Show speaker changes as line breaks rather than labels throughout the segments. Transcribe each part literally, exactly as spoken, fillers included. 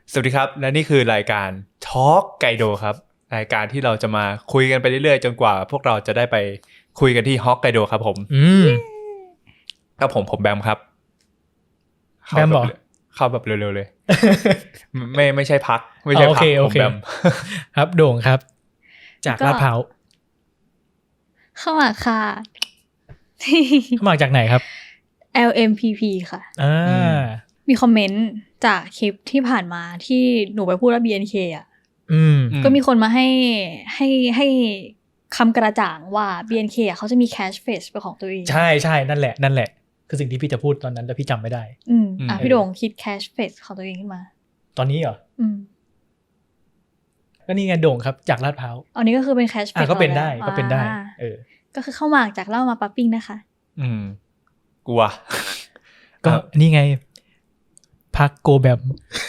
สวัสดีครับและนี่คือรายการ Talk ไกโดครับรายการที่เราจะมาคุยกันไปเรื่อยๆจนกว่าพวกเราจะได้ไปคุยกันที่ฮอกไกโดครับผม
อืม
ครับผมผมแบมครับ
แบมเหรอ
เข้าแบบเร็วๆเลย ไม่ไม่ใช่พักไม่ใช่พักผมแบม
ครับโด่งครับจากลาดพร้าว
เข้ามาค่ะ
เข้ามาจากไหนครับ
แอล เอ็ม พี พี ค่ะ
อ่า
มีคอมเมนต์จากคลิปที่ผ่านมาที่หนูไปพูดว่า บี เอ็น เค อ่ะ
อืม
ก็มีคนมาให้ให้ให้คำกระจ่างว่า บี เอ็น เค อ่ะเขาจะมี cash phrase เป็นของตัวเอง
ใช่ใช่นั่นแหละนั่นแหละคือสิ่งที่พี่จะพูดตอนนั้นแต่พี่จำไม่ได้
อืมอ่ะพี่โด่งคิด cash phrase ของตัวเองขึ้นมา
ตอนนี้เหรอ
อืม
ก็นี่ไงโด่งครับจากลาดพร้าว
อันนี้ก็คือเป็น cash phrase
อ่ะก็เป็นได้ก็เป็นได้เออ
ก็คือเข้ามาจากเล่ามาปั๊บปิ้งนะคะ
อืมกลัว
ก็นี่ไงพักโกแบม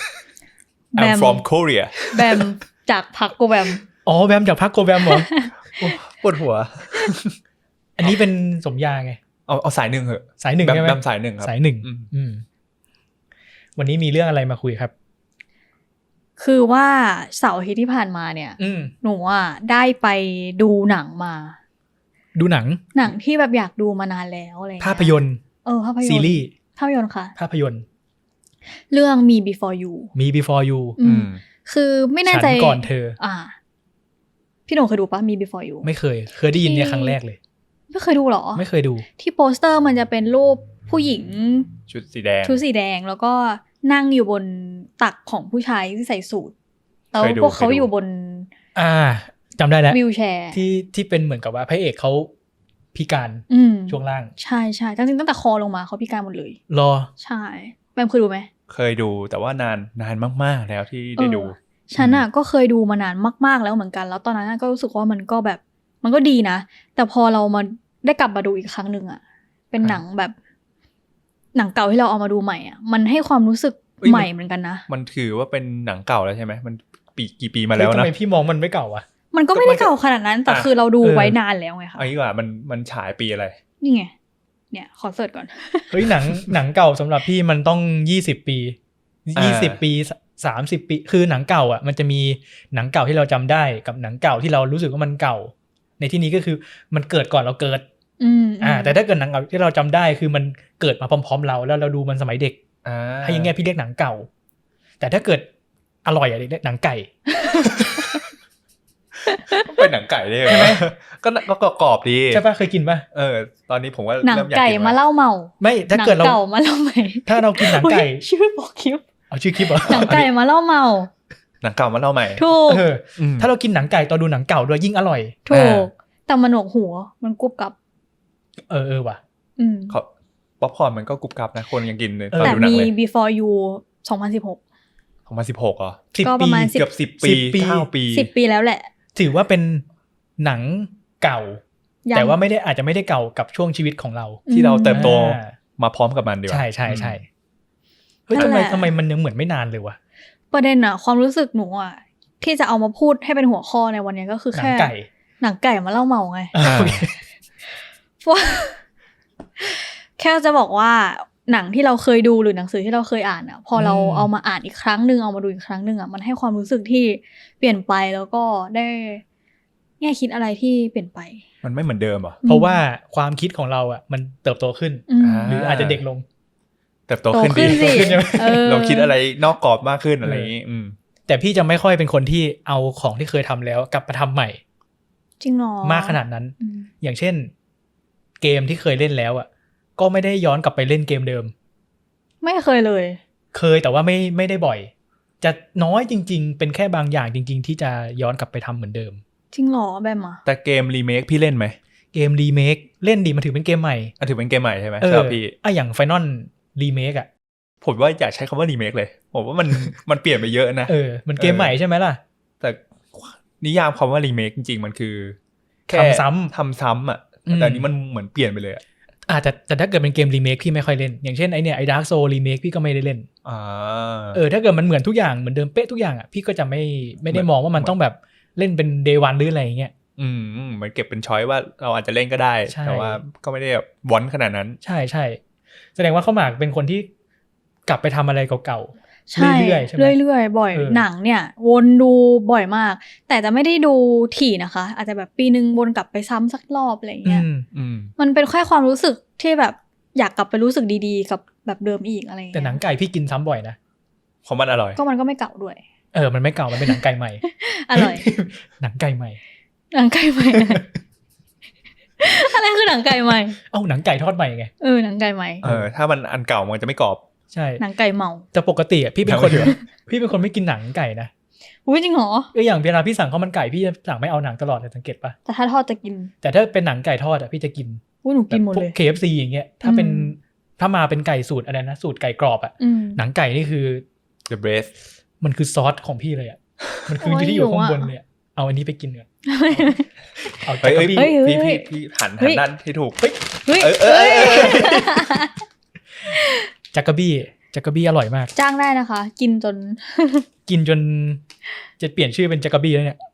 I'm from Korea
แบมจากพักโกแบม
อ๋อแบมจากพักโกแบมเหรอ
ปวดหัว
อันนี้เป็นสมญาไง
เอาเอาสายหนึ่งเหอะ
สายหนึ่งใช่ไหม
แบมสายหนึ่งครับ
สายหนึ่งอืมวันนี้มีเรื่องอะไรมาคุยครับ
คือว่าเสาร์อาทิตย์ที่ผ่านมาเนี่ยหนูอ่ะได้ไปดูหนังมา
ดูหนัง
หนังที่แบบอยากดูมานานแล้วอะไร
ภาพยนตร์
เออภาพยนตร์
ซีรีส์
ภาพยนตร์ค่ะ
ภาพยนตร์
เรื่องมี before you
มี before you
อืมคือไม่แน่ใจ
ฉันก่อนเธอ
อ่าพี่หนูเคยดูปะมี before you
ไม่เคยเคยได้ยินเนี่ยครั้งแรกเลย
ไม่เคยดูหรอ
ไม่เคยดู
ที่โปสเตอร์มันจะเป็นรูปผู้หญิง
ชุดสีแดง
ชุดสีแดงแล้วก็นั่งอยู่บนตักของผู้ชายที่ใส่สูทแล้วพวกเขาอยู่บน
อ่าจำได้แล้ว
วีลแชร์
ที่ที่เป็นเหมือนกับว่าพระเอกเขาพิการช่วงล่าง
ใช่ใช่จริงๆตั้งแต่คอลงมาเขาพิการหมดเลย
รอ
ใช่แบมเคยดูไหม
เคยดูแต่ว่านานนานมากๆแล้วที่ได้ดู
ฉันอ่ะก็เคยดูมานานมากๆแล้วเหมือนกันแล้วตอนนั้นก็รู้สึกว่ามันก็แบบมันก็ดีนะแต่พอเรามาได้กลับมาดูอีกครั้งนึงอ่ะเป็นหนังแบบหนังเก่าที่เราเอามาดูใหม่อ่ะมันให้ความรู้สึกใหม่เหมือนกันนะ
มันถือว่าเป็นหนังเก่าแล้วใช่ไหมมันปีกี่ปีมาแล้วนะ
ทำไมพี่มองมันไม่เก่าอ่ะ
มันก็ไม่ได้เก่าขนาดนั้นแต่คือเราดูไว้นานแล้วไงคะ
ไอ้ว่ามันมันฉายปีอะไร
นี่ไงเนี่ยขอเสิร์ชก่อน
เฮ้ยหนังหนังเก่าสำหรับพี่มันต้องยี่สิบปียี่สิบปีสามสิบปีคือหนังเก่าอ่ะมันจะมีหนังเก่าที่เราจำได้กับหนังเก่าที่เรารู้สึกว่ามันเก่าในที่นี้ก็คือมันเกิดก่อนเราเกิด
อืม
อ่าแต่ถ้าเกิดหนังเก่าที่เราจำได้คือมันเกิดมาพร้อมๆเราแล้วเราดูมันสมัยเด็ก
อ่า
ให้ยังไงพี่เรียกหนังเก่าแต่ถ้าเกิดอร่อยอ่ะเรียกหนังไก่
เป็นหนังไก่ได้ไหมก็ก็กรอบดี
ใช่ป่ะเคยกินป่ะ
เออตอนนี้ผมว่า
หนังไก่มาเล่าเมา
ไม่ถ้าเกิดเรา
เก่ามาเล่าใหม่
ถ้าเรากินหนังไก่
ชื่อบอกคลิป
เอาชื่อคลิปเหรอ
หนังไก่มาเล่าเมา
หนังเก่ามาเล่าใหม่
ถูก
ถ้าเรากินหนังไก่ตอนดูหนังเก่าด้วยยิ่งอร่อย
ถูกแต่มันหนวกหัวมันกรุบกรับ
เออเออว่ะ
อืม
ป๊อปคอร์นมันก็กรุบกรับนะคนยังกินเลย
ตอนดูหนังเลยแต่มี before you สองพันสิบหก
สองพันสิบหกเหรอ
ก็ประมาณ
เกือบสิบปีเก้าปี
สิบปีแล้วแหละ
ถือว่าเป็นหนังเก่าแต่ว่าไม่ได้อาจจะไม่ได้เก่ากับช่วงชีวิตของเรา
ที่เราเติบโตมาพร้อมกับมันดีกว่า
ใช่ใช่ใช่เฮ้ยทำไมทำไมมันยังเหมือนไม่นานเลยวะ
ประเด็นอะความรู้สึกหนูอะที่จะเอามาพูดให้เป็นหัวข้อในวันนี้ก็คือแค่
หนังไก่
หนังไก่มาเล่าเมาไงแค่จะบอกว่าหนังที่เราเคยดูหรือหนังสือที่เราเคยอ่านอะพอเราเอามาอ่านอีกครั้งนึงเอามาดูอีกครั้งนึงอะมันให้ความรู้สึกที่เปลี่ยนไปแล้วก็ได้แง่คิดอะไรที่เปลี่ยนไป
มันไม่เหมือนเดิมเหรอ
เพราะว่าความคิดของเราอ่ะมันเติบโตขึ้นหรืออาจจะเด็กลง
เติบโตขึ้นดีเราคิดอะไรนอกกรอบมากขึ้นอะไรอย่างนี้
แต่พี่จะไม่ค่อยเป็นคนที่เอาของที่เคยทำแล้วกลับมาทำใหม่
จริงหรอ
มากขนาดนั้นอย่างเช่นเกมที่เคยเล่นแล้วอ่ะก็ไม่ได้ย้อนกลับไปเล่นเกมเดิม
ไม่เคยเลย
เคยแต่ว่าไม่ไม่ได้บ่อยจะน้อยจริงๆเป็นแค่บางอย่างจริงๆที่จะย้อนกลับไปทำเหมือนเดิม
จริงหรอแบบมา
แต่เกมรีเมคพี่เล่นไหม
เกมรีเมคเล่นดีมันถือเป็นเกมใหม่
อ่ะถือเป็นเกมใหม่ใช่ไหม
เออ
พี่
อ่ะอย่าง Final Remake อ่ะ
ผมว่าอยากใช้คำว่ารีเมคเลยผมว่ามันมันเปลี่ยนไปเยอะนะ
เออมันเกมใหม่ใช่ไหมล่ะ
แต่นิยามคำว่ารีเมคจริงๆมันคือ
ทำซ้ำ
ทำซ้ำอ่ะแต่นี้มันเหมือนเปลี่ยนไปเลยอ่ะ
อ่าแต่แต่ถ้าเกิดเป็นเกมรีเมคพี่ไม่ค่อยเล่นอย่างเช่นไอเนี่ยไอ Dark Souls Remake พี่ก็ไม่ได้เล่น
อ่า
เออถ้าเกิดมันเหมือนทุกอย่างเหมือนเดิมเป๊ะทุกอย่างอ่ะพี่ก็จะไม่ไม่ได้มองว่ามันต้องแบบเล่นเป็น Day One หรืออะไรอย่างเงี้ย
อืมมันเก็บเป็นช้อยว่าเราอาจจะเล่นก็ได้แต่ว่าก็ไม่ได้แบบวอนขนาดนั้น
ใช่ใช่แสดงว่าเข้าหมากเป็นคนที่กลับไปทำอะไรเก่า
ใช่
เรื่อยๆใช่ไหม
เรื่อยๆบ่อย
เออ
หนังเนี่ย วนดูบ่อยมาก แต่จะไม่ได้ดูถี่นะคะ อาจจะแบบปีนึงวนกลับไปซ้ำสักรอบอะไรอย่างเงี้ย
อืม
อืม
มันเป็นแค่ความรู้สึกที่แบบอยากกลับไปรู้สึกดีๆ กับแบบเดิมอีกอะไรอย่าง
แต่
เงี้ย
หนังไก่พี่กินซ้ำบ่อยนะ
ของมันอร่อย
ก็มันก็ไม่เก่าด้วย
เออมันไม่เก่ามันเป็นหนังไก่ใหม่
อร่อย
หนังไก่ใหม่
หนังไก่ใหม่ อะไรคือหนังไก่ใหม่
เอ้าหนังไก่ทอดใหม่ไง
เออหนังไก่ใหม่
เออ ถ้ามันอันเก่ามันจะไม่กรอบ
ใช่
หนังไก่เมา
แต่ปกติอ่ะพี่เป็นคน
หนังไม่เหลือ
พี่เป็นคนไม่กินหนังไก่นะ
อุ้ยจริงเหรอ
เอออย่างเวลาพี่สั่งข้าวมันไก่พี่จะสั่งไม่เอาหนังตลอดเลยสังเกตปะ
แต่ถ้าทอดจะกิน
แต่ถ้าเป็นหนังไก่ทอดอ่ะพี่จะกิน
อุ้ยหนูกินหมด
แบบพว
เล
ก
ย
เค เอฟ ซี อย่างเงี้ยถ้าเป็น
อืม
ถ้ามาเป็นไก่สูตรอะไรนะสูตรไก่กรอบอ่ะ
อืม
หนังไก่นี่คือ
The breast
มันคือซอสของพี่เลยอ่ะมันคือ
โอ้ย
ที่อยู่ข้าง
หิวอะ
บนเลยอะเอาอันนี้ไปกินเนีกว่ยเอา
เฮ้ยเฮ้ย
จักรบี้
เฮ้ย
พี่พี่พี่หัน
เฮ้
หัน
ย
ด้านที่ถูก
เฮ้ย
เฮ้ย
เออเออเออเออ
จักรบี้จักรบี้อร่อยมาก
จ้างได้นะคะ กินจน
กินจนจะเปลี่ยนชื่อเป็นจักรบี้แล้วเนี่ย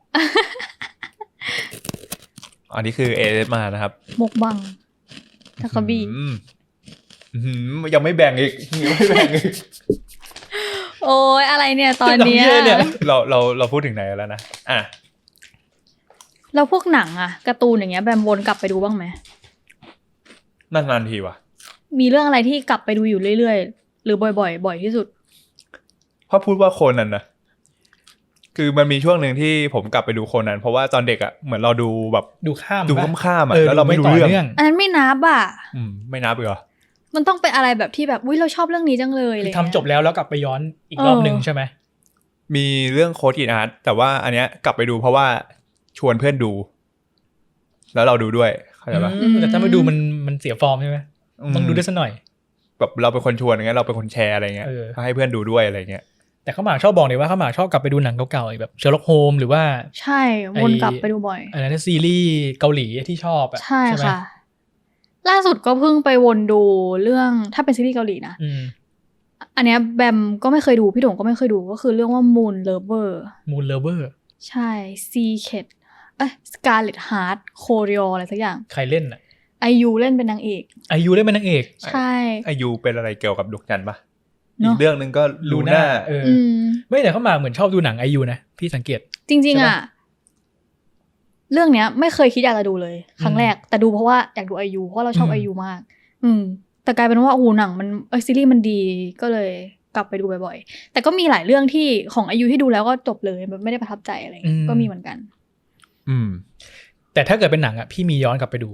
อันนี้คือเอสมานะครับ
มกบังทาคาบี
อืมอื้อหือยังไม่แบ่งอีกยังไม่แบ่งอีก
โอ้ยอะไรเนี่ยตอนเนี้ย
เราเย่เนี่ย
เราเราเราพูดถึงไหนแล้วนะอ่ะ
แล้วพวกหนังอะการ์ตูนอย่างเงี้ยแบมวนกลับไปดูบ้างไหม
นานๆทีว่ะ
มีเรื่องอะไรที่กลับไปดูอยู่เรื่อยๆ หรือบ่อยๆ บ่อยที่สุด
เพราะพูดว่าโคนันนะคือมันมีช่วงหนึ่งที่ผมกลับไปดูโคนันเพราะว่าตอนเด็กอ่ะเหมือนเราดูแบบ
ดูข้าม
ดู
ปะ
ข้ามๆอ่ะ
เออ
แล้วเราไม่รู้
ต่
เรื่อง
อันนั้นไม่นับอะ
อืมไม่นับเลยเหรอ
มันต้องเป็นอะไรแบบที่แบบอุ้ยเราชอบเรื่องนี้จังเลย
คื
เล
อย ทำจบแล้วแล้วกลับไปย้อนอีกรอบหนึ่งใช่ไหม
มีเรื่องโค้ดอินอาร์ตแต่ว่าอันเนี้ยกลับไปดูเพราะว่าชวนเพื่อนดู แล้วเราดูด้วยเข้าใจปะ
อืมแต่ถ้าไม่ดูมันมันเสียฟอร์มใช่ไหมต้องดูด้วยสักหน่อย
แบบเราเป็นคนชวนอย่างเงี้ยเราเป็นคนแชร์อะไรเงี้ย
เออ
ให้เพื่อนดูด้วยอะไรเงี้ย
แต่เขาหมากชอบบอกเลยว่าเขาหมากชอบกลับไปดูหนังเก่าๆแบบเชอร์ล็อกโฮมหรือว่า
ใช่วนกลับไปดูบ่อย
อะไรนะซีรีส์เกาหลีที่ชอบอ่ะ
ใช่
ไหม
ค่ะ ล่าสุดก็เพิ่งไปวนดูเรื่องถ้าเป็นซีรีส์เกาหลีนะ
อืม
อันเนี้ยแบมก็ไม่เคยดูพี่โด่งก็ไม่เคยดูก็คือเรื่องว่า Moon Lover
มูนเลเวอร์
ใช่ Secret เอ้ย Scarlet Heart Choreo อะไรสักอย่าง
ใครเล่นอ่ะ
ไอยูเล่นเป็นนางเอก
อายุเล่นเป็นนางเอก
ใช่
อายุเป็นอะไรเกี่ยวกับดวงจันทร์ปะ
เน
อี
อะ
กเรื่องหนึงก็ลูน่า
เออ
อืม
ไม่แต่เขาหมากเหมือนชอบดูหนังอายุนะพี่สังเกต
จริง
ใช่
ๆ
ปะ
อ่ะ เรื่องเนี้ย ไม่เคยคิดอยากจะดูเลย ครั้งแรก แต่ดูเพราะว่าอยากดูไอยูเพราะเราชอบ
อืม
ไอยูมาก อืม แต่กลายเป็นว่าโอ้โหหนังมันเออซีรีส์มันดีก็เลยกลับไปดูบ่อยๆ แต่ก็มีหลายเรื่องที่ของไอยูที่ดูแล้วก็จบเลยแบบไม่ได้ประทับใจอะไรอย่างเงี้ยก็มีเหมือนกัน
อืม
แต่ถ้าเกิดเป็นหนังอ่ะพี่มีย้อนกลับไปดู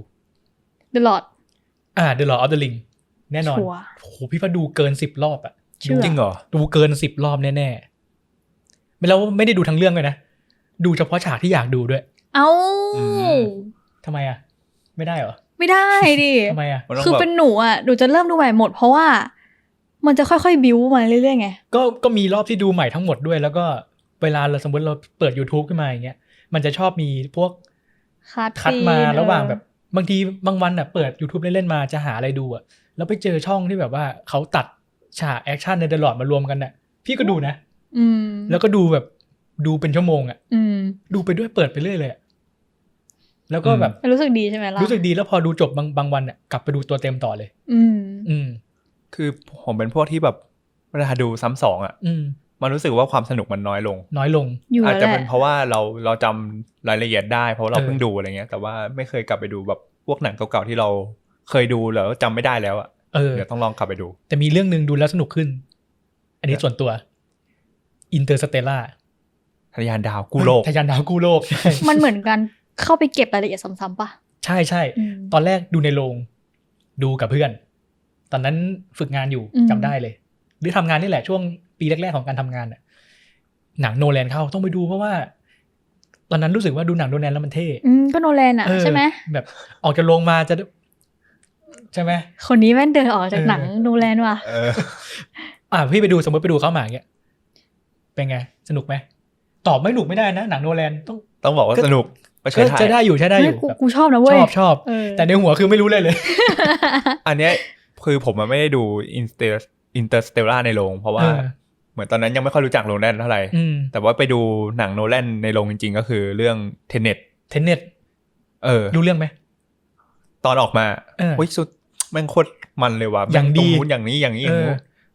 The Lord
อ่า The Lord of the Ring แน่นอน
ชัวร์
โอ้โหพี่ว่าดูเกินสิบรอบอ่ะ
เชื่อ
จริงเหรอ
ดูเกินสิบรอบแน่ๆไม่แล้วไม่ได้ดูทั้งเรื่องเลยนะ ดูเฉพาะฉากที่อยากดูด้วย
เอ้า
อืม
ทำไมอ่ะ ไม่ได้เหรอ
ไม่ได้ดิ
ทำไมอ่ะ
มันต้อง
คือ
แบบ
เป็นหนูอ่ะหนูจะเริ่มดูใหม่หมด เพราะว่ามันจะค่อยๆบิ้วมาเรื่อยๆไง
ก็ก็มีรอบที่ดูใหม่ทั้งหมดด้วย แล้วก็เวลาเราสมมติเราเปิด YouTube ขึ้นมาอย่างเงี้ยมันจะชอบมีพวก
คัด
คัดมา
ซีน
ระหว่าง
เออ
แบบบางทีบางวันอ่ะเปิด YouTube เล่นๆมาจะหาอะไรดูอ่ะแล้วไปเจอช่องที่แบบว่าเขาตัดฉากแอคชั่นในเดอะลอร์ดมารวมกันน่ะพี่ก็ดูนะ
อืม
แล้วก็ดูแบบดูเป็นชั่วโมงอ่ะ
อืม
ดูไปด้วยเปิดไปเรื่อยเลยอะแล้วก็แบบ
รู้สึกดีใช่ไหมล่ะ
รู้สึกดีแล้วพอดูจบบางบางวันอ่ะกลับไปดูตัวเต็มต่อเลย
อืม
อืม
คือผมเป็นพวกที่แบบเวลาดูซ้ำสองอ่ะ
อืม
มันรู้สึกว่าความสนุกมันน้อยลง
น้อยลง
อยู่
อาจ
แล้ว
จะ
แห
เป็น
ละ
เพราะว่าเราเราจำรายละเอียดได้เพราะเรา
เออ
เพิ่งดูอะไรเงี้ย แต่ว่าไม่เคยกลับไปดูแบบพวกหนังเก่าๆที่เราเคยดูแล้วจำไม่ได้แล้วอ่ะ
เออ
เดี๋ยวต้องลองกลับไปดู
แต่มีเรื่องหนึ่งดูแล้วสนุกขึ้น อันนี้ส่วนตัวอินเตอร์สเตล่า
ทะยานดาวกู้โลก
ทะยานดาวกู้โลก ใช่
มันเหมือนกันเข้าไปเก็บรายละเอียดซ้ำๆป่ะ
ใช่ใช่
อืม
ตอนแรกดูในโรงดูกับเพื่อน ตอนนั้นฝึกงานอยู่
อืม
จำได้เลย หรือทำงานนี่แหละช่วงปีแรกๆของการทำงานน่ะหนังโนแลนเข้าต้องไปดูเพราะว่า ตอนนั้นรู้สึกว่าดูหนังโนแลนแล้วมันเท่
อืมก็โนแลนอ่ะ
เออ
ใช่ไหม
แบบออกจากโรงมาจะ ใช่ไหม
คนนี้แม่นเดินออกจาก
เออ
หนังโนแลนว่ะ
เออ
อ่ะพี่ไปดูสมมติไปดูเข้ามาอย่างเงี้ยเป็นไงสนุกไหมตอบไม่หนุกไม่ได้นะหนังโนแลนต้อง
ต้องบอกว่า
ก็
สนุกไปเค
ก็
ยถ่าย
จะได้อยู่ใช้ได้อ
เฮ้ย
ยู่
กู
แบบ
กูชอบนะ
ช
เว้ย
อบชอบ
เออ
แต่ในหัวคือไม่รู้เลยเลย
อันเนี้ยคือผมมันไม่ได้ดูอินเตอร์อินเตอร์สเตลล่าในโรงเพราะว่า
เออ
เหมือนตอนนั้นยังไม่ค่อยรู้จักโนแลนเท่าไหร่
อืม
แต่ว่าไปดูหนังโนแลนในโรงจริงๆ ก็คือเรื่องเทเน็ต
เทนเน็ต
เออ
รู้เรื่องไหม
ตอนออกมา
เออ
โอ้ยสุดแม่งโคตรมันเลยว่ะ
อย่างดี
ตรงนู้นอย่างนี้อย่างนี้อย่างนู้น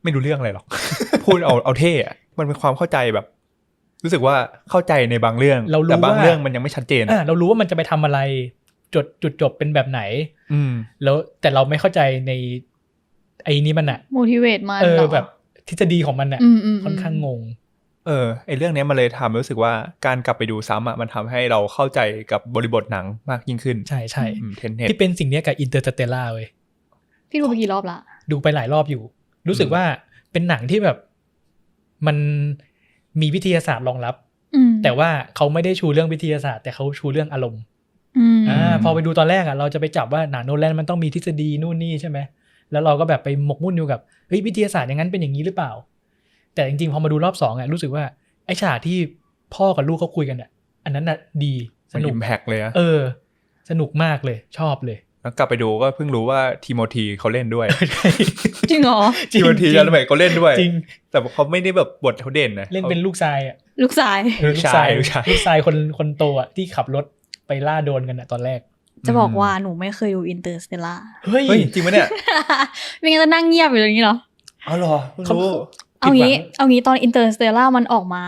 ไม่รู้เรื่องอะไรหรอก พูดเอาเอาเท่อะมันเป็นความเข้าใจแบบ รู้สึกว่าเข้าใจในบางเรื่อง
เรารู้
แต่บาง
ว่า
เรื่องมันยังไม่ชัดเจน
อ่าเรารู้ว่ามันจะไปทำอะไรจุดจุดจบเป็นแบบไหน
อืม
แล้วแต่เราไม่เข้าใจในไอ้นี้มันอะ
motivate มัน
เออ
หรอ
แบบทฤษฎีของมันอะ
อืมอืม
ค่อนข้างงง
เออไอเรื่องเนี้ยมันเลยทำให้รู้สึกว่าการกลับไปดูซ้ำอ่ะมันทำให้เราเข้าใจกับบริบทหนังมากยิ่งขึ้น
ใช่ใช่
เทนเน็ต
ที่เป็นสิ่งเนี้ยกับอินเตอร์สเตลล่าเว้ย
พี่ดูไปกี่รอบละ
ดูไปหลายรอบอยู่ รู้สึกว่าเป็นหนังที่แบบมันมีวิทยาศาสตร์รองรับ
อืม
แต่ว่าเขาไม่ได้ชูเรื่องวิทยาศาสตร์แต่เขาชูเรื่องอารมณ์
อืม
อ่าพอไปดูตอนแรกอ่ะเราจะไปจับว่าหนังโนแลนมันต้องมีทฤษฎีนู่นนี่ใช่ไหมแล้วเราก็แบบไปหมกมุ่นอยู่กับเฮ้ยวิทยาศาสตร์อย่างนั้นเป็นอย่างนี้หรือเปล่า แต่จริงๆพอมาดูรอบสองอ่ะรู้สึกว่าไอ้ฉากที่พ่อกับลูกเขาคุยกันอ่ะอันนั้นน่ะดีส
มัน
นุก
อิมแพกเลยนะ
เออ สนุกมากเลยชอบเลย
แล้วกลับไปดูก็เพิ่งรู้ว่าทีโมธีเขาเล่นด้วย
จริงเหรอ
ทีโมธี
จริง
ยาลเมกเขาเล่นด้วย
จริง
แต่เขาไม่ได้แบบบทเขาเด่นนะ
เล่นเป็นลูกชายอ่ะ
ลูกชาย
เออ
ลูกชายลูกชาย
ลูกชายคนคนโตอ่ะที่ขับรถไปล่าโดนกันอ่ะตอนแรก
จะบอกว่าหนูไม่เคยดูอินเตอร์สเตลล่า
เฮ้ย
เฮ้ยจริงไหมเนี่ย
ไม่งั้นจะนั่งเงียบอยู่อย่างนี้เหรอ
อ๋อเหรอเพิ่งรู้
เอางี้ เอางี้ตอนอินเตอร์สเตลล่ามันออกมา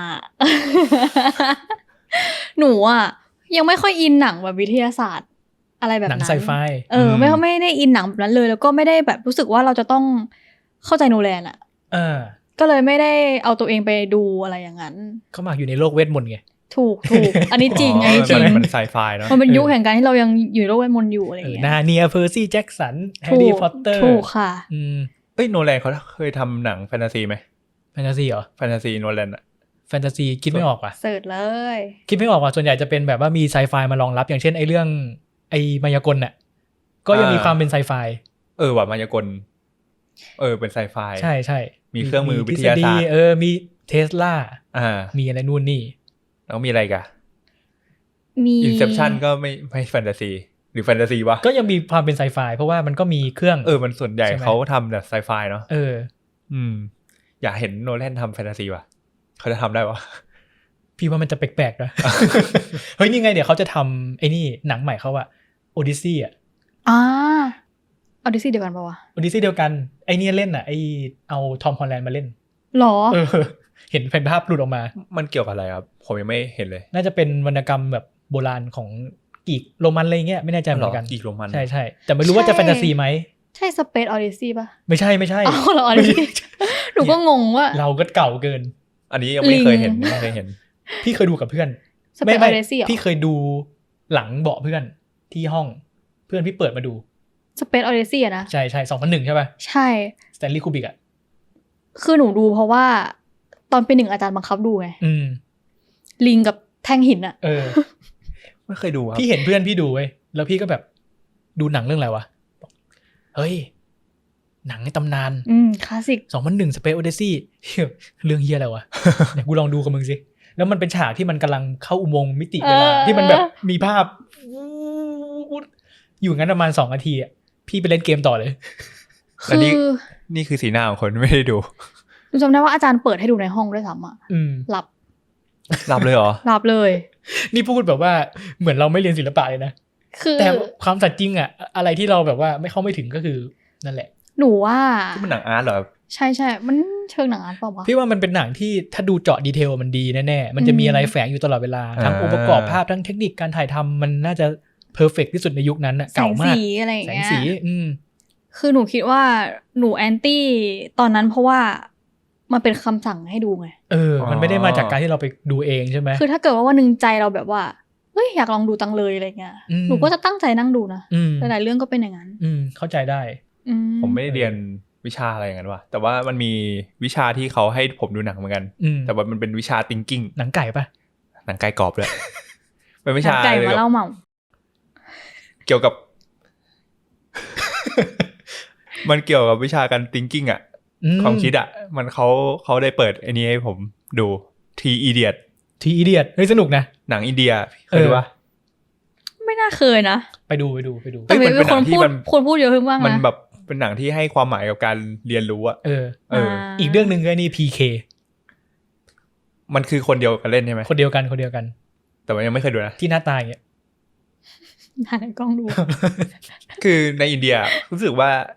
หนูอ่ะยังไม่ค่อยอินหนังแบบวิทยาศาสตร์ อะไรแบบ
ห
นั้
นั
น
งไซไฟ
เออไม่ไม่ได้อินหนังแบบนั้นเลย แล้วก็ไม่ได้แบบรู้สึกว่าเราจะต้องเข้าใจโนแลนอ่ะ
เออ
ก็เลยไม่ได้เอาตัวเองไปดูอะไรอย่างนั้น
เขามาอยู่ในโลกเวทมนต์ไง
ถูกถูก อันนี้จริงอันนี้จริง
มันมันไซไฟเนาะ
มันเป็นยุค
เออ
แห่งการที่เรายังอยู่ในโลกเวทมนต์อยู่อะไรอ
เอย่าง อ
เงี้ย
นาเนียเพอร์ซี่แจ็คสันแฮ
ถู
ร์รี่
ก
พอตเตอร์
ถูกค่ะ
อืม
เอ้ยโนแลนเขาเคยทำหนังแฟนตาซีไหม
แฟนตาซีเหรอ
แฟนตาซีโนแลนอะ
แฟนตาซีคิดไม่ออกว่ะ
เสิร์ชเลย
คิดไม่ออกว่ะส่วนใหญ่จะเป็นแบบว่ามีไซไฟมารองรับ อย่างเช่นไอ้เรื่องไอ้มายากลน่ะก็ยังมีความเป็นไซไฟ
เออว่ะมายากลเออเป็นไซไฟ
ใช่ใช่
มีเครื่องมือวิทยาศาสตร์
เออมีเทสลา
อ่า
มีอะไรนู่นนี่
แล้วมีอะไรอีกัน
มี
อินเซปชันก็ไม่ไม่แฟนตาซีหรือแฟนตาซีวะ
ก็ยังมีความเป็นไซไฟเพราะว่ามันก็มีเครื่อง
เออมันส่วนใหญ่
ใช่ไหม
เขาทำแบบไซไฟเนาะ
เออ
อืม อยากเห็นโนแลนทำแฟนตาซีว่ะเขาจะทำได้วะ
พี่ว่ามันจะแปลกๆนะ เฮ้ยนี่ไงเดี๋ยวเขาจะทำไอ้นี่หนังใหม่เขาอะโอดิซี่อะ
อ่าออดิซี่เดียวกันปะวะ
โอดิซี่เดียวกันไอ้เนี่ยเล่นอะไอเอาทอมฮอลแลนด์มาเล่น
หรอ
เออ เห็นเป็นภาพหลุดออกมา
มันเกี่ยวกับอะไรครับผมยังไม่เห็นเลย
น่าจะเป็นวรรณกรรมแบบโบราณของกรีกโรมันอะไรเงี้ยไม่แน่ใจเหมือนกัน
อีกโรมัน
ใช่ใช่แต่ไม่รู้ว่าจะ
ใช่
แฟนตาซีไหม
ใช่สเปซออดิซี่ปะ
ไม่ใช่ไม่ใช่
อ้าวเหรอออดิซี่ หนูก็งงว่า
เราก็เก่าเกิน
อันนี้ยังไม่เคยเห็น
ลิง
ไม่เคยเห็น
พี่เคยดูกับเพื่อน
สเปซออดิซี่เหรอ
พี่เคยดูหลังเบาะเพื่อนที่ห้องเพื่อนพี่เปิดมาดู
สเปซออดิซี่อะนะ
ใช่ใช่สองพันหนึ่งใช่ป่ะ
ใช่
สแตนลีย์คูบิกอ่ะ
คือหนูดูเพราะว่า ตอนเป็นหนึ่งอาจารย์บังคับดูไง
อืม
ลิงกับแท่งหินอะ
เออ
ไม่เคยดูครับ
พี่เห็นเพื่อนพี่ดูเว้ยแล้วพี่ก็แบบดูหนังเรื่องอะไรวะบอกเฮ้ย หนังในตำนาน
อืมคลาสสิก
สองพันหนึ่ง Space Odyssey เรื่องเฮียอะไรวะ เดี๋ยวกูลองดูกับมึงสิ แล้วมันเป็นฉากที่มันกำลังเข้าอุโมงค์มิติเวลา
เออ
ที่มันแบบมีภาพ อยู่งั้นประมาณสองนาทีอ่ะพี่ไปเล่นเกมต่อเลย
อัน
คื
นี้
อ
นี่คือสีหน้าของคนไม่ได้ดู
หนูจำได้ว่าอาจารย์เปิดให้ดูในห้องด้วยซ้ำอะ
อืม
หลับ
หลับเลยเหรอ
หลับเลย
นี่พูดแบบว่าเหมือนเราไม่เรียนศิลปะเลยนะ
คือ
แต่ความสัตย์จริงอ่ะ อะไรที่เราแบบว่าไม่เข้าไม่ถึงก็คือนั่นแหละ
หนูว่า
ที่มันหนังอาร์ตเหรอ
ใช่ใช่มันเชิงหนังอาร์ตเปล่าวะ
พี่ว่ามันเป็นหนังที่ถ้าดูเจาะดีเทลมันดีแน่ๆ มันจะมีอะไรแฝงอยู่ตลอดเวลา ทั้ง
อ่า
องค์ประกอบภาพทั้งเทคนิคการถ่ายทำมันน่าจะเพอร์เฟกที่สุดในยุคนั้นอะ
แส
เก่าง มาก
สีอะไรอย่าง
แสง
เงี้ย
สี อืม
คือหนูคิดว่าหนูแอนตี้ตอนนั้นเพราะว่ามันเป็นคำสั่งให้ดูไง
เออ มันไม่ได้มาจากการที่เราไปดูเองใช่ไหม
คือถ้าเกิดว่าวันหนึ่งใจเราแบบว่าเฮ้ยอยากลองดูตังเลยอะไรเงี้ย
อืม
หนูก็จะตั้งใจนั่งดูนะ
อืม
หลายๆเรื่องก็เป็นอย่างนั้น
อืม เข้าใจได้
อื
ผมไม่ได้เรียนวิชาอะไรอย่างนั้นว่ะแต่ว่ามันมีวิชาที่เขาให้ผมดูหนังเหมือนกัน
อืม
แต่ว่ามันเป็นวิชา thinking
หนังไก่ปะ
หนังไกลกรอบเลย เป็นวิ
หนั
ชาง
ไก่
เกี่
มา
ยวกับ
เล่าเมา
เกี่ยวกับ มันเกี่ยวกับวิชาการ thinking อ่ะ
ม
ความคิดอ่ะ มันเขาเขาได้เปิดไอ้นี้ให้ผมดู T Idiot
ทีอีเดียดเฮ้ยสนุกนะ
หนังอินเดียเคยดูปะ
ไม่น่าเคยนะ
ไปดูไปดูไปดู
เฮ้
แต่
ย
เป็น
มันเป็น
คน
หนังที่
พูด
มัน
คนพูดเยอะขึ้นบ้าง
มัน
นะ
แบบเป็นหนังที่ให้ความหมายกับการเรียนรู้อ่ะ
เออ
เออ
อีกเรื่องหนึ่งก็นี่ พี เค
มันคือคนเดียวกันเล่นใช่ไหม
คนเดียวกันคนเดียวกัน
แต่ว่ายังไม่เคยดูนะ
ที่หน้าตาอย่างเงี้ย
ถ่ายในกล้องดู
คือในอินเดียรู้สึกว่าค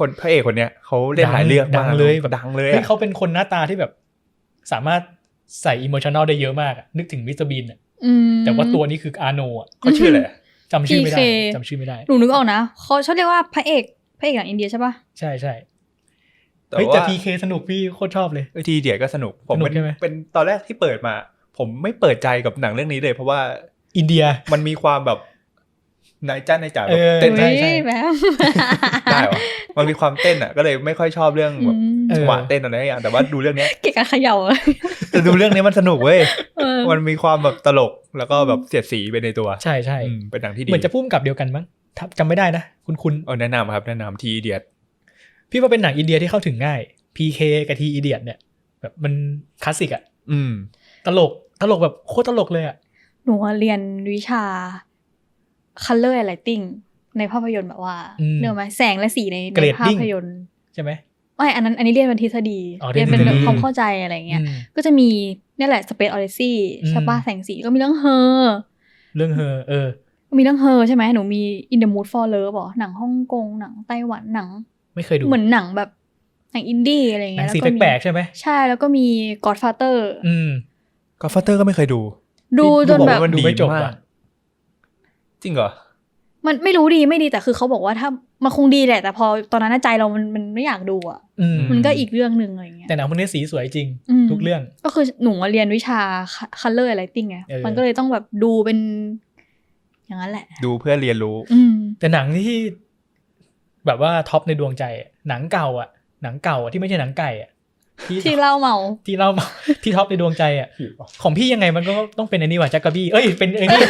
คนพระเอกคนเนี้ยเขาเล่นหลายเรื่อง
ดังเลยแบบ
ดังเลย
เฮ้ย
อะ
เขาเป็นคนหน้าตาที่แบบ สามารถใส่อิโมชันแนลได้เยอะมากอะนึกถึงมิสเตอร์บีนอะ
อืม
แต่ว่าตัวนี้คืออาโนอะ
เขาชื่ออะไร
จำชื่อไม่ได้
พี เค
จำชื่อไม่ได้
หนูนึกออกนะเขาชอบเรียกว่าพระเอกพระเอกหนังอินเดียใช่ปะ
ใช่ใช่
แต่
เฮ้ยแต่
ว่า
พี เค สนุกพี่โคตรชอบเลย
เออทีเดียก็สนุกผม
สนุก
เป็น
ใช่ไหม
เป็นตอนแรกที่เปิดมา ผมไม่เปิดใจกับหนังเรื่องนี้เลย เพราะว่า
อินเดีย
มันมีความแบบนายจ้านายจ๋าแบ
เอบ อ
เต้น
ใช่
เฮ้ยแบบ
ได้วะมันมีความเต้นอ่ะก็เลยไม่ค่อยชอบเรื่องแบบ
อืม
เออ
จังหวะเต้นอะไรอย่างแต่ว่าดูเรื่องเนี้ย
เก่งกับเขย่า
แต่ดูเรื่องนี้มันสนุกเว้ย
เออ
มันมีความแบบตลกแล้วก็แบบเสียดสีไปในตัว
ใช่ใช่
อืมเป็นหนังที่ดี
เหมือนจะพุ่มกับเดียวกันมั้งถ้าจำไม่ได้นะ คุณคุณ
เออแนะนำครับแนะนำทีเดียด
พี่ว่าเป็นหนังอินเดียที่เข้าถึงง่าย พี เค กับทีอีเดียเนี่ยแบบมันคลาสสิกอะ
อืม
ตลกตลกแบบโคตรตลกเลยอะ
หนูเรียนวิชา color and lighting ในภาพยนตร์แบบว่าเนื่องไหมแสงและสีในในภาพยนตร์
ใช่ไหม
ไม่อันนั้นอันนี้เรียนเป็นทฤษฎี
อ๋อ
เรียนเป็น
เรียน
แบบ
ทฤษฎี
ความเข้าใจอะไรเงี้ย
อืม
ก็จะมีเนี่ยแหละ Space Odyssey
อืม
ใช่ปะแสงสีก็มีเรื่องเฮอ
เรื่องเฮอเออ
มีเรื่องเฮอใช่ไหมหนูมี In the Mood for Love อ๋อหนังฮ่องกงหนังไต้หวันหนัง
ไม่เคยดู
เหมือนหนังแบบหนังอินดี้อะไร
หนั
เงี้
ง
ย
สี
แล้วก็มี
แปลกๆใช่ไหม
ใช่แล้วก็มี Godfather
อืม
ก็ฟัตเตอร์ก็ไม่เคยดู
ดูจน
บอก
แบบ
ว่ามัน
ดู
ดี
ไม่จบ
มา
ว่ะ
กจริงเหรอ
มันไม่รู้ดีไม่ดีแต่คือเขาบอกว่าถ้ามันคงดีแหละ แต่พอตอนนั้นใจเรามันมันไม่อยากดูอ่ะ
อืม
มันก็อีกเรื่องหนึ่งอะไรเงี้ย
แต่หนังพวกนี้สีสวยจริง
อืม
ทุกเรื่อง
ก็คือหนูมาเรียนวิชา color and lighting ไง
เออ
มันก็เลยต้องแบบดูเป็น อย่างนั้นแหละ
ดูเพื่อเรียนรู้
อืม
แต่หนังที่แบบว่าท็อปในดวงใจอะหนังเก่าอ่ะ หนังเก่าอะที่ไม่ใช่หนังไก่อ่ะที่
ที่เล่าเมา
ที่เรา ที่ท็อปในดวงใจอ่ะของพี่ยังไงมันก็ต้องเป็นอันนี้ว่ะจักรบี้เอ้ยเป็นอันนี้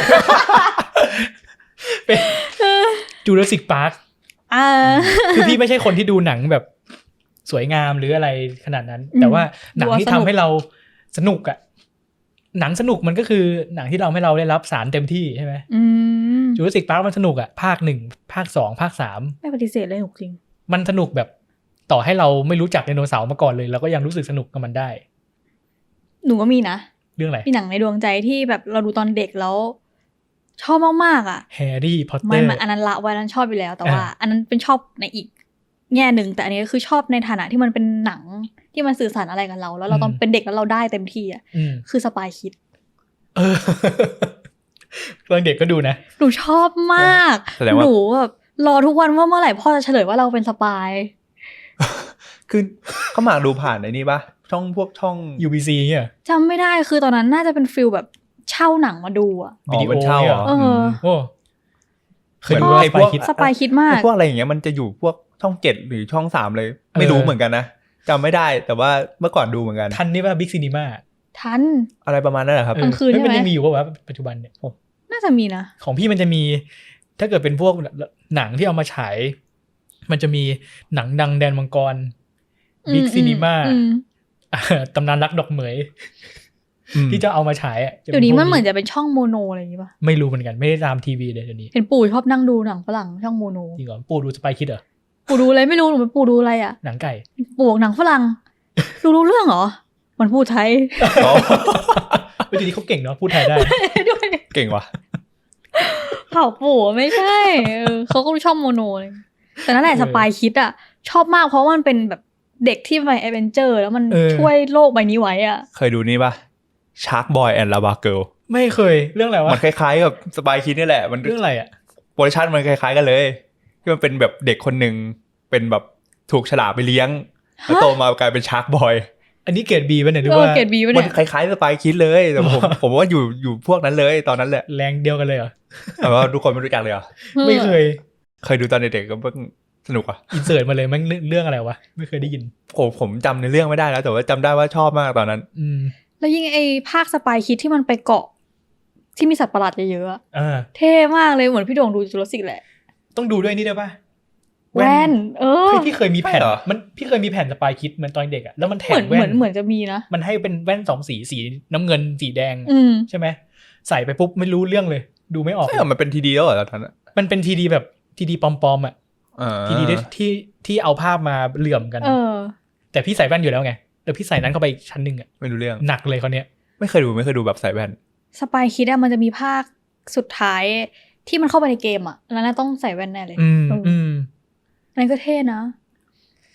เป็นจูราสสิกพาร์ค
อ่า
คือพี่ไม่ใช่คนที่ดูหนังแบบสวยงามหรืออะไรขนาดนั้น
อืม
แต่ว่าหนังที่
ดูว่าสนุก
ทำให้เราสนุกอ่ะหนังสนุกมันก็คือหนังที่เราให้เราได้รับสารเต็มที่ใช่ไหม
อืม
จูราสสิกพาร์คมันสนุกอ่ะภาคหนึ่งภาคสองภาคสาม
ไม่ปฏิเสธเลยหนุกจริง
มันสนุกแบบต่อให้เราไม่รู้จักไดโนเสาร์มาก่อนเลยเราก็ยังรู้สึกสนุกกับมันได้
หนูก็มีนะ
เรื่องอะไร
มีหนังในดวงใจที่แบบเราดูตอนเด็กแล้ว ชอบมากๆอ่ะ
แฮร์รี่พอตเต
ไม่
อร์
มันอันนั้นละไว้อันนั้นชอบอยู่แล้ว แต่ว่า
อ่า
อันนั้นเป็นชอบในอีกแง่หนึ่งแต่อันนี้ก็คือชอบในฐานะที่มันเป็นหนังที่มันสื่อสารอะไรกับเรา แล้วเราตอนเป็นเด็กแล้วเราได้เต็มที่อ่ะ
อืม
คือสปายคิด
เออ ตอนเด็กก็ดูนะ
หนูชอบมาก
แสดงว่า
หนูแบบรอทุกวันว่าเมื่อไหร่พ่อจะเฉลยว่าเราเป็นสปาย
คือเขาหมากดูผ่านไอ้นี่ปะช่องพวกช่อง
ยู บี ซี เนี่ย
จำไม่ได้คือตอนนั้นน่าจะเป็นฟิลแบบเช่าหนังมาดูอ่ะ
อ๋อเป็นเช่าเหรอ
เออ
ม
โอ้เคยดู
เหมือน
ว่า
ไอ้
ส
พ
ปา
วย ก
คิด
สปายคิดมาก
ไอ้พวกอะไรอย่างเงี้ยมันจะอยู่พวกช่องเจ็ดหรือช่องสามเลย ไม่
เออ
รู้เหมือนกันนะจำไม่ได้แต่ว่าเมื่อก่อนดูเหมือนกัน
ทันนี่ว่าบิ๊กซีนีมา
ทัน
อะไรประมาณนั้นแหละครับ
กลางคืนใช่ไหม
มันยังมีอยู่ป่าวะปัจจุบันเนี่ยโอ้
น่าจะมีนะ
ของพี่มันจะมี ถ้าเกิดเป็นพวกหนังที่เอามาฉาย มันจะมีหนังดังแดนมังกรบิ๊กซีนีมา
อืม
ตำนานรักดอกเหมย
อืม
ที่จะเอามาฉายอ่ะจะ
เดี๋ยวนี้
พวก
มันเหมือนจะเป็นช่องโมโนอะไรอย่างงี้ป่ะ
ไม่รู้เหมือนกันไม่ได้ตามทีวีเลยเดี๋ยวนี้
เห็นปู่ชอบนั่งดูหนังฝรั่งช่องโมโน
จริงเหรอปู่ดูสปายคิดเหรอ
ปู่ดูอะไรไม่รู้หนูเป็นปู่ดูอะไรอ่ะ
หนังไก่
ปู่บอกหนังฝรั่ง ดูรู้เรื่องเหรอ มันพูดไทย
อ๋อ
เฮ้ยทีนี้เขาเก่งเนาะพูดไทยได้
ด้วย
เก่งว่ะ
เผ่าปู่ไม่ใช่เออเขาก็ชอบโมโนเลยแต่นั่นแหละ
เออ
สปายคิดอ่ะ ชอบมากเพราะว่ามันเป็นแบบเด็กที่ไปแอดเวนเจอร์แล้วมัน
เออ
ช่วยโลกใบนี้ไว้อ่ะ
เคยดูนี่ปะชาร์กบอยแอนด์ลาบาเกิล
ไม่เคยเรื่องอะไรวะ
มันคล้ายๆกับสปายคิดนี่แหละมัน
เรื่องอะไรอ่ะ
โปรดักชันมันคล้ายๆกันเลยที่มันเป็นแบบเด็กคนหนึ่งเป็นแบบถูกฉลามไปเลี้ยงแล้วโตมากลายเป็นชาร์กบอย
อันนี้เกรดบีป่ะเนี่ยหรือ
เออ
ว่า
เกรดบีป่ะ
มัน
เนี่ย
คล้ายๆสปายคิดเลยแต่ผม ผมว่าอยู่อยู่พวกนั้นเลยตอนนั้นแหละ
แรงเดียวกันเลยเหรอ
แต่ว่าทุกคนไม่รู้จักเลยเหรอ
ไม่เคย
เคยดูตอนเด็กๆก็เพิ่งสนุกอ่ะ
อินเสิร์ตมาเลยมันเรื่องอะไรวะไม่เคยได้ยิน
ผมผมจำในเรื่องไม่ได้แล้ว แต่ว่าจำได้ว่าชอบมากตอนนั้น
อืม
แล้วยิ่งไอ้ภาคสปายคิดที่มันไปเกาะ ที่มีสัตว์ประหลาดเยอะๆอะ
อ่า
เท่มากเลยเหมือนพี่โด่งดูจูราสสิกแหละ
ต้องดูด้วยนี่ได้ป่ะ
แว่น เออ
เฮ้ยพี่เคยมีแผ่น
ใช่เหรอ
มันพี่เคยมีแผ่นสปายคิดเหมือนตอนเด็กอะแล้วมันแถ
เหมือ
ม
น
แว่
เหมือน นเหมือนจะมีนะ
มันให้เป็นแว่นสองสีสีน้ำเงินสีแดง
อืม
ใช่ไหมใส่ไปปุ๊บไม่รู้เรื่องเลย ดูไม่ออก
ใช่เหรอมันเป็นทีดีแล้วเหรอตอนนั้นอะ
มันเป็นทีดีแบบทีดีปลอมๆอะ
อ่า
ทีดีที่ที่เอาภาพมาเหลื่อมกัน
เออ
แต่พี่ใส่แว่นอยู่แล้วไงแล้วพี่ใส่นั้นเข้าไปอีกชั้นหนึ่งอะ
ไม่รู้เรื่อง
หนักเลยเขาวเนี้ย
ไม่เคยดูไม่เคยดูแบบใส่แว่น
สปายคิดอะมันจะมีภาคสุดท้ายที่มันเข้าไปในเกมอะแล้วน่าต้องใส่แว่นแน่เลย
อืม
เอออ
อืม
อันนั้นก็เท่นะ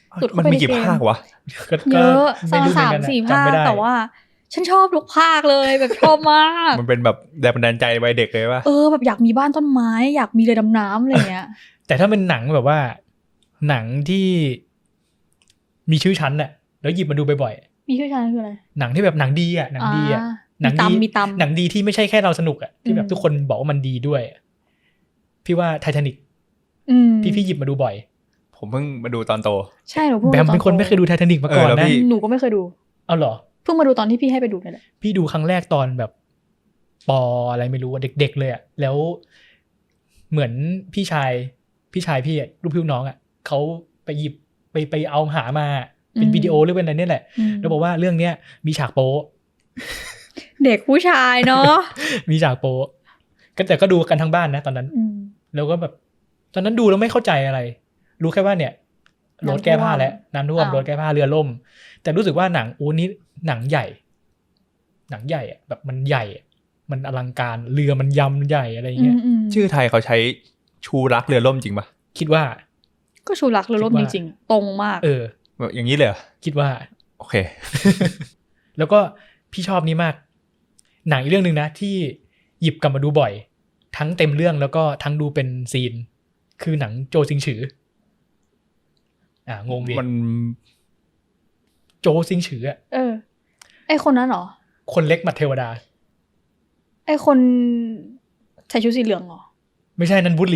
สุดเข้า
มัน
ไป
มี
ใน
กี่
เกม
ภาควะ
ก็
เยอะ
ก็ไม่รู้เหมื
สา
อน
ม
กันอะ
สี่
จำ
ภาค
ไม่ได้
แต่ว่า ฉันชอบทุกภาคเลยแบบชอบมาก
มันเป็นแบบแรงบันดาลใจวัยเด็กเลยป่ะ
เออแบบอยากมีบ้านต้นไม้ อยากมีเรือดำน้ำอะไรเงี้ย
แต่ถ้าเป็นหนังแบบว่า หนังที่มีชื่อชั้นน่ะแล้วหยิบมาดูบ่อย
มีชื่อชั้นคืออะไร
ๆหนังที่แบบหนังดีอ่ะหนังดีอ่ะ
อ่า
หนัง
มี
ดี
ตำมีตำ
หนังดีที่ไม่ใช่แค่เราสนุกอ่ะที่แบ
อื
บ
ม
ทุกคนบอกว่ามันดีด้วย พี่ว่าไททานิก
อืม
ที่พี่หยิบมาดูบ่อย
ผมเพิ่งมาดูตอนโต
ใช่หนูเพิ่ง
แบม
ดูตอ
เป็นคนไม่เคยดูไททานิกมาก่อน
เออแล้ว
นะ
พี่
หนูก็ไม่เคยดู
เอาเหรอ
เพิ่งมาดูตอนที่พี่ให้ไปดูนี่แหละ
พี่ดูครั้งแรกตอนแบบปออะไรไม่รู้อะเด็กๆเลยอะแล้วเหมือนพี่ชายพี่ชายพี่อะลูกพี่ลูกน้องอะเขาไปหยิบไปไปเอาหามาเป็นวิดีโอหรือเป็นอะไรเนี่ยแหละ
อืม
แล้วบอกว่าเรื่องเนี้ยมีฉากโป๊ะ
เด็กผู้ชายเนาะ
มีฉากโป๊ะก็แต่ก็ดูกันทั้งบ้านนะตอนนั้น
อืม
แล้วก็แบบตอนนั้นดูแล้วไม่เข้าใจอะไร รู้แค่ว่าเนี่ยรถแก้ผ้าแล้วน้ำท่วม
อ้าว
รถแก้ผ้าเรือล่ม แต่รู้สึกว่าหนังโอ้นี้หนังใหญ่ หนังใหญ่อะแบบมันใหญ่อะมันอลังการเรือมันยำใหญ่อะไรอย่าง
อื
เงี้ย
มอืม
ชื่อไทยเขาใช้ชูรักเรือล่มจริงป่ะ
คิดว่า
ก็ชูรักเรือล่ม
คิด
จ
ว่า
ริงๆ ตรงมาก
เออ
แบบอย่างนี้เลยเหรอ
คิดว่า
โอเค
แล้วก็พี่ชอบนี้มาก หนังอีกเรื่องหนึ่งนะที่หยิบกลับมาดูบ่อย ทั้งเต็มเรื่องแล้วก็ทั้งดูเป็นซีน คือหนังโจซิงฉือ อ่างงดิ
มัน
โจซิงฉืออะ
เออ ไอคนนั้นเหรอ
คนเล็กมัดเทวดา
ไอคนใส่ชุดสีเหลืองเหรอ
ไม่ใช่นันบุรี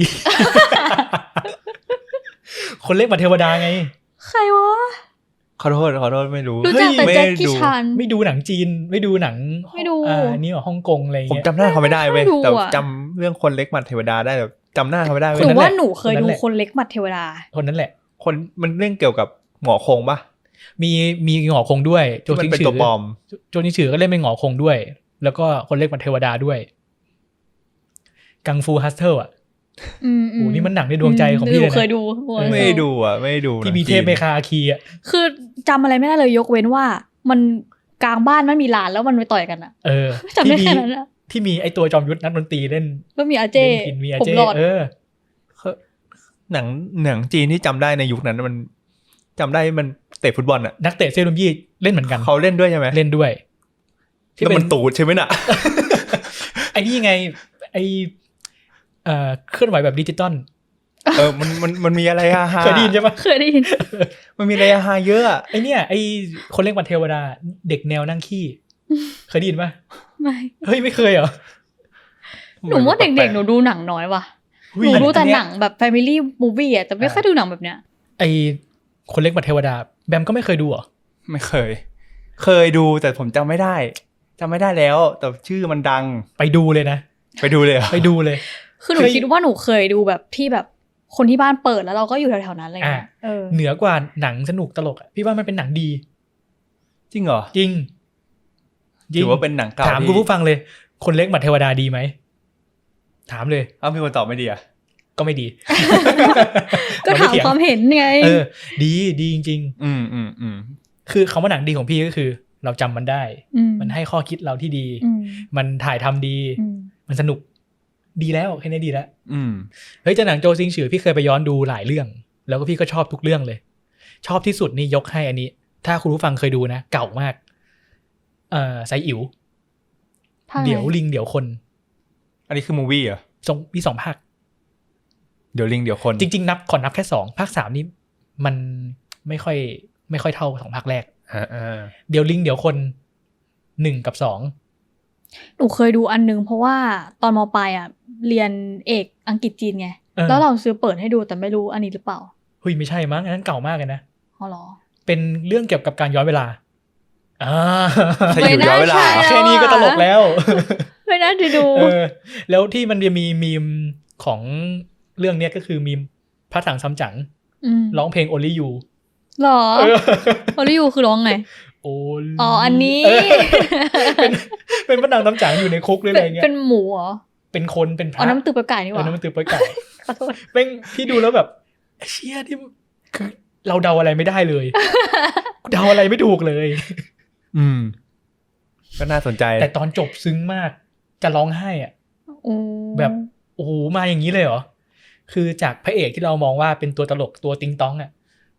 คนเล็กมัดเทวดาไง
ใครวะ
ขอโทษขอโทษไม่รู้
รู้จักแต่
ไม่
แจ็ค
ได้
กี้
ดู
ชาน
ไม่ดูหนังจีน ไม่ดูหนัง
ไม่ดู
อ่านี่เหรอฮ่องกงอะไรอย่าง
ผม
เงี้ย
จำหน้าเขาไม่ได้เว้ย
ไม่ดู
แต่
อะ
จำเรื่องคนเล็กมันเทวดาได้แต่จำหน้าเขาไม่ได้
ห
เว้
นู
ย
ว่าหนูเคย
คนนั้
ดู
นแหละ
คนเล็กหมัดเทวดา
คนนั้นแหละ
คนมันเรื่องเกี่ยวกับหงอคงป่ะ
มีมีหงอคงด้วยโจ
ที่มัน
ซิง
เป็น
ฉื
ตัวปลอม
โจซิงฉือก็เล่นเป็นหงอคงด้วย แล้วก็คนเล็กมัดเทวดาด้วย กังฟูฮัสเทิลอ่ะ
อืม
โอ้นี่มันหนังในดวงใจของพี่
ห
เล
นู
ย
เคย
นะ
ดู
ไม่ได้ดูอ่ะไม่ได้ดู
ที่มีเทพเมคาอาคีอ่ะ
คือจำอะไรไม่ได้เลยยกเว้นว่า มันกลางบ้านมันมีลานแล้วมันไปต่อยกันอะ
เออ
จำได้
ที่มี
แค่นั้นอะ
ที่มีไอตัวจอมยุทธนักดนตรีเล่น
ก็มีอาเจ
เล่นกินมีอา
ผม
เจ
หลอด
เออ
หนังหนังจีนที่จำได้ในยุคนั้นมันจำได้มันเตะฟุตบอลอ่ะ
นักเตะเซรุมยี่เล่นเหมือนกัน
เขาเล่นด้วยใช่ไหม
เล่นด้วย
แล้วมันตูดใช่ไหมน่ะ
ไอ้นี่ไงไอเอ่อเคลื่อนไหวแบบดิจิตอล
เออมันมันมันมีอะไรฮาฮา
เคยได้ยินใช่ปะ
เคยได้ยิน
มันมีอะไรฮาฮาเยอะอะ
ไอเนี่ยไอคนเล่นวันเทวดา เด็กแนวนั่งขี้ เคยได้ยินปะ
ไม่
เฮ้ยไม่เคยเหรอ
หนูว่าเด็กๆหนูดูหนังน้อยว่ะ หนูดูแต่หนังแบบ Family Movie อะแต่ไม่ค่อยดูหนังแบบเนี้ย
ไอคนเล็กบัตรเทวดา แบมก็ไม่เคยดูเหรอ
ไม่เคย เคยดูแต่ผมจำไม่ได้จำไม่ได้แล้ว แต่ชื่อมันดัง
ไปดูเลยนะ
ไปดูเลยเหรอ
ไปดูเลย
คือหนู
เคย
คิดว่าหนูเคยดูแบบที่แบบคนที่บ้านเปิดแล้วเราก็อยู่แถวๆนั้นอะไรเงี้ย
อ่ะ
เออ
เหนือกว่าหนังสนุกตลกอะพี่ว่ามันเป็นหนังดี
จริงเหรอ
จริง
ถือว่าเป็นหนังเก่า
ถาม
ที่
คุณผู้ฟังเลย คนเล็กบัตรเทวดาดีไหม ถามเลย
เอ้ามีคนตอบไม่ดีอ่ะ
ก็ไม่ดี
ก็ถามความเห็นไง
เออ ดีดีจริง
อืมอืมอืม
ๆ คือคำว่าหนังดีของพี่ก็คือ เราจำมันได้
ม
มันให้ข้อคิดเราที่ดี
อืม
มันถ่ายทำดี
อืม
มันสนุก ดีแล้วแค่นี้ดีแล้ว
อืม
เฮ้ยแต่หนังโจซิงฉือพี่เคยไปย้อนดูหลายเรื่อง แล้วก็พี่ก็ชอบทุกเรื่องเลย ชอบที่สุดนี่ยกให้อันนี้ ถ้าคุณผู้ฟังเคยดูนะ เก่ามาก เอ่อไซอิ๋ว
ภาคไหน
เดี๋ยวลิงเดี๋ยวคน
อันนี้คือมูวี่เหรอ
สองมีสองภาค
เดี๋ยวลิงเดี๋ยวคน
จริงๆนับขอนับแค่สองภาคสามนี่มันไม่ค่อย ไม่ค่อยเท่าสองภาคแรก
อ่าอ่า
เดี๋ยวลิงเดี๋ยวคนหนึ่งกับสอง
หนูเคยดูอันนึงเพราะว่าตอนมปลายอ่ะเรียนเอกอังกฤษจีนไง
เออ
แล้วเราซื้อเปิดให้ดูแต่ไม่รู้อันนี้หรือเปล่า
เฮ้ยไม่ใช่มั้งอันนั้นเก่ามากเลยนะ
อ๋อเหรอ
เป็นเรื่องเกี่ยวกับการย้อนเวลาอ่า
ถ้าอยู่ย้อนเวลา
ไม่น่าใช่
แค่นี้ก็ตลกแล้ว
ไม่น่าจะดู
เออแล้วที่มันจะมีมีมของเรื่องเนี้ยก็คือมีมพระถังซัมจั๋ง
อืม
ร้องเพลง Only You
หรอโอริยูคือร้องไง
Only
อ๋ออันนี้
เออเป็นเป็นพระถังซัมจั๋งอยู่ในคุกหรืออะไรเงี้ย
เป็นหมูเหรอ
เป็นคนเป็นพ
อ๋อ
ระ
น้ำตือปลาไก่นี่ห
เออ
ว่า
น้ำมันตือปล่อยไก่
ขอโทษ
เป็นพี่ดูแล้วแบบเชี่ยที่คือเราเดาอะไรไม่ได้เลย เดาอะไรไม่ถูกเลย
อืม ก็น่าสนใจ
แต่ตอนจบซึ้งมาก จะร้องไห้อ่ะ
โอ้
แบบโอ้โหมาอย่างนี้เลยเหรอ คือจากพระเอกที่เรามองว่าเป็นตัวตลกตัวติงตองอ่ะ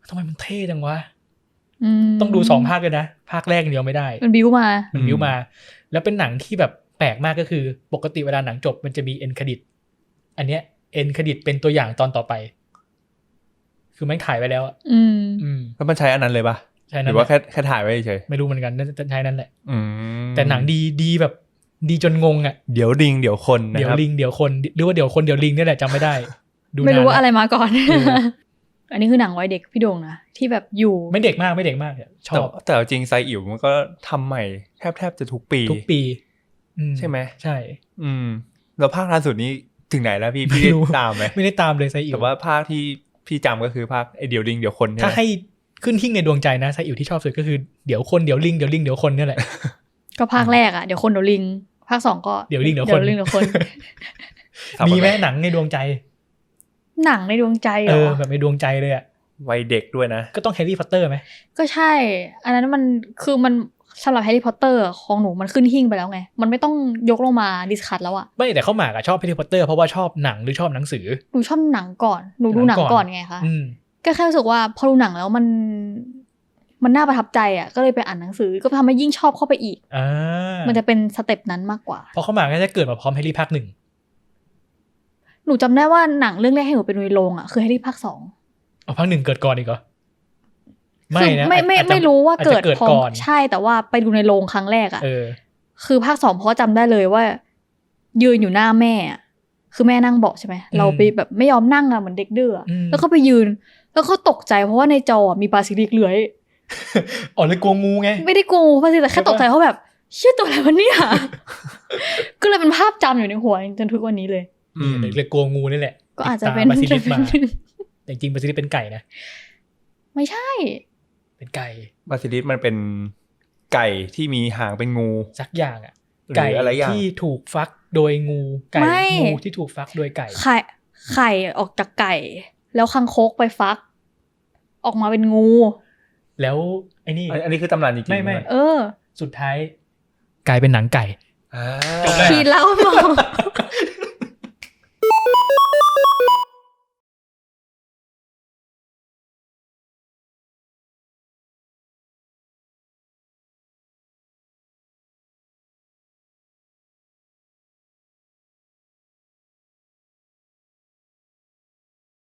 ทำไมมันเท่จังวะ
ม
ต้องดูสองภาคเลยนะภาคแรกเดียวไม่ได้
มันบิ้วมา
มันบิ้วมา แล้วเป็นหนังที่แบบแปลกมากก็คือปกติเวลาหนังจบมันจะมีเอ็นเครดิตอันเนี้ยเอ็นเครดิตเป็นตัวอย่างตอนต่อไป คือมันถ่ายไว้แล้วอะ
อืม
อืม
แล้วมันใช้อันนั้นเลยปะ
ใช่
ห
นั่
รื
น
อ
แห
ว่า
ละ
แค่แค่ถ่ายไว้เฉย
ไม่รู้เหมือนกันน่าจะใช่นั่นแหละ
อืม
แต่หนังดีดีแบบดีจนงงอ่ะ
เดี๋ยวลิงเดี๋ยวคนนะ
เดี๋ยว
ครับ
ลิงเดี๋ยวคนหรือว่าเดี๋ยวคนเดี๋ยวลิงนี่แหละจำไม่ได้ ดู
ไม่รู้
นน
ว่าอะไร
แล้ว
มาก่อน
เออ
อันนี้คือหนังวัยเด็กพี่โด่งนะที่แบบอยู่
ไม่เด็กมากไม่เด็กมากช
แต่
อบ
แต่จริงไซอิ๋วมันก็ทำใหม่แทบแทบจะทุกปี
ทุกปีอื
ใช่ไหม
ใช่
อืมแล้วภาคล่าสุดนี้ถึงไหนแล้วพี่พี่
ไม่รู้
ได้ตามไหม
ไม่ได้ตามเลยไซอิ๋ว
แต่ว่าภาคที่พี่จำก็คือภาคไอเดี๋ยวลิงเดี๋ยวคนใช่
ถ้า
ไหม
ให้ขึ้นหิ้งในดวงใจนะไซอิ๋วที่ชอบสุดก็คือเดี๋ยวคนเดี๋ยวลิงเดี๋ยวลิงเดี๋ยวคนเนี่ยแหละ
ก็ภาคแรกอ่ะเดี๋ยวคนเดี๋ยวลิง ภาคสองก็
เดี๋ยวลิงเดี๋ยวคน
ลิงเดี๋ยวคน
สับ
มีไหม
อะร
หนังในดวงใจ
หนังในดวงใจเห
เอ
ร
อ
อ
แบบในดวงใจเลยอ่ะ
วัยเด็กด้วยนะ
ก็ต้องแฮร์รี่พอตเตอร์ไหม
ก็ใช่ อันนั้นมันคือมันสำหรับแฮร์รี่พอตเตอร์ของหนูมันขึ้นหิ้งไปแล้วไง มันไม่ต้องยกลงมาดิสคัทแล้วอะ
ไม่แต่เขาหมากอะชอบแฮร์รี่พอตเตอร์เพราะว่าชอบหนังหรือชอบหนังสือ
หนูชอบหนังก่อน หนูดูห
หนั
นั
ง
ง
ก่
ก่
อ
อน นไงคะ
อืม
ก็แค่รู้สึกว่าพอดูหนังแล้วมัน มันน่าประทับใจอะก็เลยไปอ่านหนังสือ ก็ทำให้ยิ่งชอบเข้าไปอีก
อ่า
มันจะเป็นสเต็ปนั้นมากกว่า
เพราะเขาหมากก็จะเกิดมาพร้อมแฮร์รี่ภาคหนึ่ง
หนูจำได้ว่าหนังเรื่องแรกให้หนูไปดูในโรงอะคือแฮร์รี่ภาคสอง
เอาภาคหนึ่งเกิดก่อนอีกเหรอไม่
คือ
นะ
ไม่ไม่
อาจจะ
ไม่รู้ว่าเกิด
อจจะเกิด
พร้อ
ก่
ม
อน
ใช่แต่ว่าไปดูในโรงครั้งแรกอะ
เออ
คือภาคสองเพราะจำได้เลยว่า ยืนอยู่หน้าแม่อะคือแม่นั่งเบาะใช่ไหม
อืม
เราไปแบบไม่ยอมนั่งอะเหมือนเด็กดื้ออะ
อืม
แล้วก็ไปยืน แล้วก็ตกใจเพราะว่าในจอมีปลาซิลิกเลื้อย
อ๋อเลยกลัวงูไง
ไม่ได้กลัวปลาซิลิกแต่แค่ตกใจเพราะแบบเชื่อตัวอะไรวะเนี่ย ก็เลยเป็นภาพจำอยู่ในหัวจนทุกวันนี้เลย
อืม
เลยเลยกลัวงูนี่แหละ
ก็อาจจะเป็น
ติดตามบาซิลิสมา แต่จริงๆบาซิลิสเป็นไก่นะ
ไม่ใช่
เป็นไก่
บาซิลิสมันเป็นไก่ที่มีหางเป็นงู
สักอย่างอ่ะ
หรือ
ไก่
อะไรอย่าง
ที่ถูกฟักโดยงูไก่
ไม่
งูที่ถูกฟักโดยไก่
ไข่ไข่ออกจากไก่ แล้วคังคกไปฟัก ออกมาเป็นงู
แล้วไอ้นี่
อันอันนี้คือตำนานจริงๆ
ไม่ไม่
ใช่ห
เออ
สุดท้ายกลายเป็นหนังไก่
อ่า
จบแล้ว
ขีดแล้วบอก